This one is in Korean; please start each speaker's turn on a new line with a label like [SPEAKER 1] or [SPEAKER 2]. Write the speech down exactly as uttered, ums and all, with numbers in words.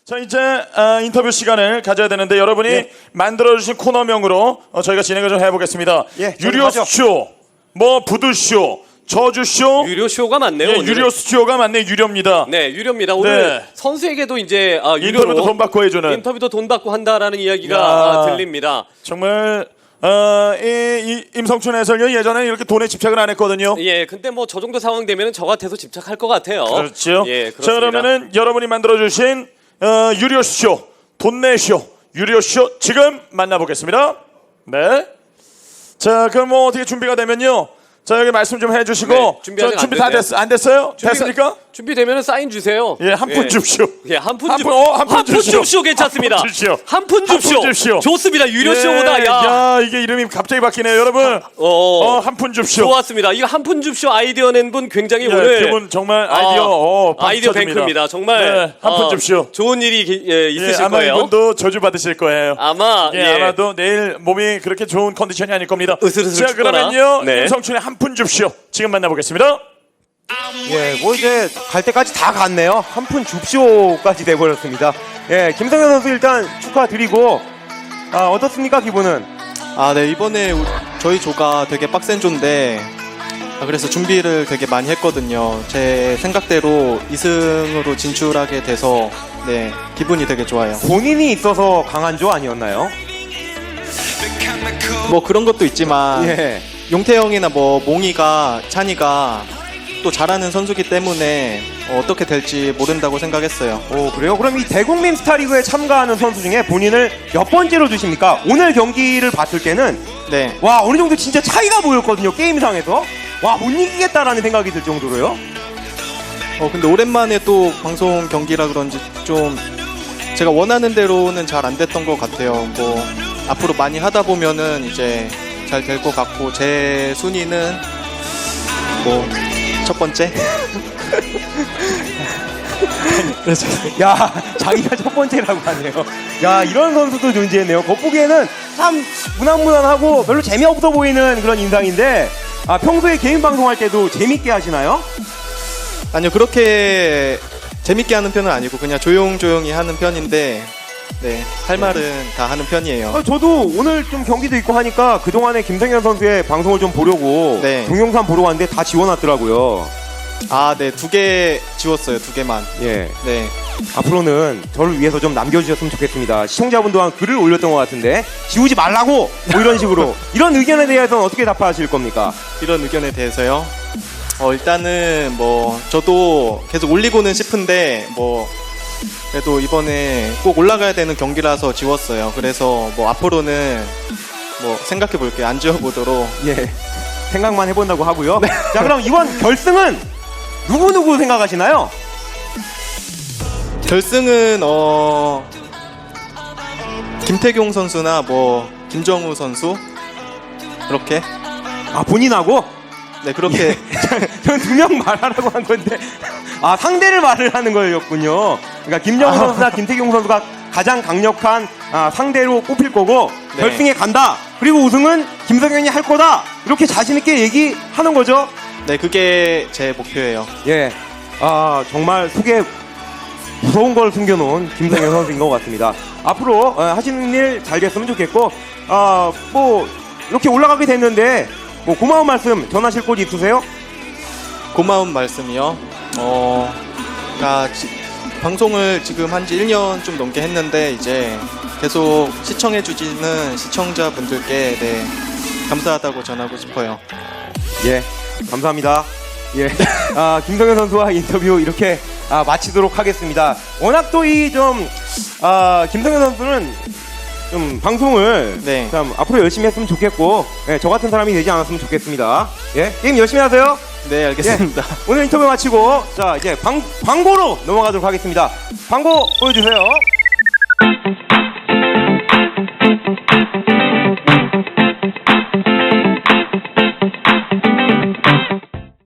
[SPEAKER 1] 자 이제 어, 인터뷰 시간을 가져야 되는데 여러분이
[SPEAKER 2] 예.
[SPEAKER 1] 만들어주신 코너명으로 어, 저희가 진행을 좀 해보겠습니다.
[SPEAKER 2] 예,
[SPEAKER 1] 유료쇼, 뭐 부두쇼, 저주쇼,
[SPEAKER 3] 유료 쇼가 많네요.
[SPEAKER 1] 예,
[SPEAKER 3] 오늘은.
[SPEAKER 1] 유료쇼가 맞네 유료입니다.
[SPEAKER 3] 네, 유료입니다. 오늘
[SPEAKER 1] 네.
[SPEAKER 3] 선수에게도 이제 아, 유료로
[SPEAKER 1] 인터뷰도 돈 받고 해주는
[SPEAKER 3] 인터뷰도 돈 받고 한다라는 이야기가
[SPEAKER 1] 야.
[SPEAKER 3] 아, 들립니다.
[SPEAKER 1] 정말 어, 이, 이 임성춘 해설위원 예전에 이렇게 돈에 집착을 안 했거든요.
[SPEAKER 3] 예, 근데 뭐 저 정도 상황 되면은 저 같아서 집착할 것 같아요.
[SPEAKER 1] 그렇죠.
[SPEAKER 3] 예,
[SPEAKER 1] 자
[SPEAKER 3] 그렇습니다.
[SPEAKER 1] 그러면은 여러분이 만들어주신 어, 유료쇼, 돈내쇼, 유료쇼 지금 만나보겠습니다. 네. 자 그럼 뭐 어떻게 준비가 되면요. 자 여기 말씀 좀 해주시고
[SPEAKER 3] 네, 준비 아직
[SPEAKER 1] 저
[SPEAKER 3] 안
[SPEAKER 1] 준비 다
[SPEAKER 3] 됐네요.
[SPEAKER 1] 됐, 안 됐어요?
[SPEAKER 3] 준비가-
[SPEAKER 1] 됐습니까?
[SPEAKER 3] 준비되면은 사인 주세요.
[SPEAKER 1] 예, 한 푼 줍쇼.
[SPEAKER 3] 예, 한 푼
[SPEAKER 1] 한
[SPEAKER 3] 줍.
[SPEAKER 1] 푼, 어, 한푼 줍쇼.
[SPEAKER 3] 줍쇼 괜찮습니다.
[SPEAKER 1] 한 푼 줍쇼.
[SPEAKER 3] 한 푼
[SPEAKER 1] 한
[SPEAKER 3] 줍쇼.
[SPEAKER 1] 푼 줍쇼.
[SPEAKER 3] 좋습니다. 유료
[SPEAKER 1] 예,
[SPEAKER 3] 쇼보다 야.
[SPEAKER 1] 야 이게 이름이 갑자기 바뀌네요, 여러분.
[SPEAKER 3] 어,
[SPEAKER 1] 어, 한 푼 줍쇼.
[SPEAKER 3] 좋았습니다. 이거 한 푼 줍쇼 아이디어 낸 분 굉장히
[SPEAKER 1] 예,
[SPEAKER 3] 오늘
[SPEAKER 1] 그분 정말 아이디어,
[SPEAKER 3] 아,
[SPEAKER 1] 어, 박수
[SPEAKER 3] 아이디어
[SPEAKER 1] 쳐줍니다.
[SPEAKER 3] 뱅크입니다. 정말
[SPEAKER 1] 네, 한푼
[SPEAKER 3] 어,
[SPEAKER 1] 줍쇼.
[SPEAKER 3] 좋은 일이 기- 예,
[SPEAKER 1] 예,
[SPEAKER 3] 있으실
[SPEAKER 1] 아마
[SPEAKER 3] 거예요.
[SPEAKER 1] 이분도 저주 받으실 거예요.
[SPEAKER 3] 아마
[SPEAKER 1] 예,
[SPEAKER 3] 예.
[SPEAKER 1] 아마도 내일 몸이 그렇게 좋은 컨디션이 아닐 겁니다.
[SPEAKER 3] 으슬으슬
[SPEAKER 1] 자,
[SPEAKER 3] 춥거나.
[SPEAKER 1] 그러면요,
[SPEAKER 3] 네.
[SPEAKER 1] 임성춘의 한 푼 줍쇼 지금 만나보겠습니다.
[SPEAKER 2] 예, 뭐 이제 갈 때까지 다 갔네요. 한 푼 줍쇼까지 돼버렸습니다. 예, 김성현 선수 일단 축하드리고, 아, 어떻습니까, 기분은?
[SPEAKER 4] 아, 네. 이번에 우- 저희 조가 되게 빡센 조인데 아, 그래서 준비를 되게 많이 했거든요. 제 생각대로 이 승으로 진출하게 돼서 네, 기분이 되게 좋아요.
[SPEAKER 2] 본인이 있어서 강한 조 아니었나요?
[SPEAKER 4] 뭐 그런 것도 있지만
[SPEAKER 2] 예.
[SPEAKER 4] 용태형이나 뭐 몽이가 찬이가 또 잘하는 선수기 때문에 어, 어떻게 될지 모른다고 생각했어요.
[SPEAKER 2] 오, 그래요? 그럼 이 대국민 스타리그에 참가하는 선수 중에 본인을 몇 번째로 주십니까? 오늘 경기를 봤을 때는,
[SPEAKER 4] 네.
[SPEAKER 2] 와, 어느 정도 진짜 차이가 보였거든요, 게임상에서. 와, 못 이기겠다라는 생각이 들 정도로요.
[SPEAKER 4] 어 근데 오랜만에 또 방송 경기라 그런지 좀 제가 원하는 대로는 잘 안 됐던 것 같아요. 뭐 앞으로 많이 하다 보면은 이제 잘 될 것 같고 제 순위는 뭐 첫 번째.
[SPEAKER 2] 야, 자기가 첫 번째라고 하네요. 야, 이런 선수도 존재했네요. 겉보기에는 참 무난무난하고 별로 재미없어 보이는 그런 인상인데, 아, 평소에 개인 방송할 때도 재밌게 하시나요?
[SPEAKER 4] 아니요 그렇게 재밌게 하는 편은 아니고 그냥 조용조용히 하는 편인데 네 할 말은 다 하는 편이에요.
[SPEAKER 2] 아, 저도 오늘 좀 경기도 있고 하니까 그동안에 김성현 선수의 방송을 좀 보려고
[SPEAKER 4] 네.
[SPEAKER 2] 동영상 보러 왔는데 다 지워놨더라고요.
[SPEAKER 4] 아 네 두 개 지웠어요. 두 개만.
[SPEAKER 2] 예.
[SPEAKER 4] 네.
[SPEAKER 2] 앞으로는 저를 위해서 좀 남겨주셨으면 좋겠습니다. 시청자분도 한 글을 올렸던 것 같은데 지우지 말라고 뭐 이런 식으로 이런 의견에 대해서는 어떻게 답하실 겁니까?
[SPEAKER 4] 이런 의견에 대해서요. 어 일단은 뭐 저도 계속 올리고는 싶은데 뭐 그래도 이번에 꼭 올라가야 되는 경기라서 지웠어요. 그래서 뭐 앞으로는 뭐 생각해 볼게요. 안 지워보도록.
[SPEAKER 2] 예. 생각만 해본다고 하고요. 자, 그럼 이번 결승은 누구누구 생각하시나요?
[SPEAKER 4] 결승은 어 김태경 선수나 뭐 김정우 선수 그렇게
[SPEAKER 2] 아, 본인하고?
[SPEAKER 4] 네 그렇게
[SPEAKER 2] 전 두 명 말하라고 한 건데 아, 상대를 말을 하는 거였군요. 그러니까 김정우 선수나 김태경 선수가 가장 강력한 아, 상대로 꼽힐 거고
[SPEAKER 4] 네.
[SPEAKER 2] 결승에 간다. 그리고 우승은 김성현이 할 거다. 이렇게 자신 있게 얘기하는 거죠.
[SPEAKER 4] 네 그게 제 목표예요.
[SPEAKER 2] 예. 아, 정말 속에 무서운 걸 숨겨놓은 김성현 선수인 것 같습니다. 앞으로 어, 하시는 일 잘 됐으면 좋겠고, 아, 뭐 이렇게 올라가게 됐는데 뭐 고마운 말씀 전하실 곳 있으세요?
[SPEAKER 4] 고마운 말씀이요. 어, 아, 지- 방송을 지금 한 지 일 년 좀 넘게 했는데 이제 계속 시청해주시는 시청자분들께 네, 감사하다고 전하고 싶어요.
[SPEAKER 2] 예, 감사합니다. 예, 아, 김성현 선수와 인터뷰 이렇게 아, 마치도록 하겠습니다. 워낙 또 이 좀 아, 김성현 선수는 좀 방송을
[SPEAKER 4] 네.
[SPEAKER 2] 참 앞으로 열심히 했으면 좋겠고, 예, 저 같은 사람이 되지 않았으면 좋겠습니다. 예, 게임 열심히 하세요.
[SPEAKER 4] 네, 알겠습니다.
[SPEAKER 2] 오늘 인터뷰 마치고 자 이제 광, 광고로 넘어가도록 하겠습니다. 광고 보여주세요.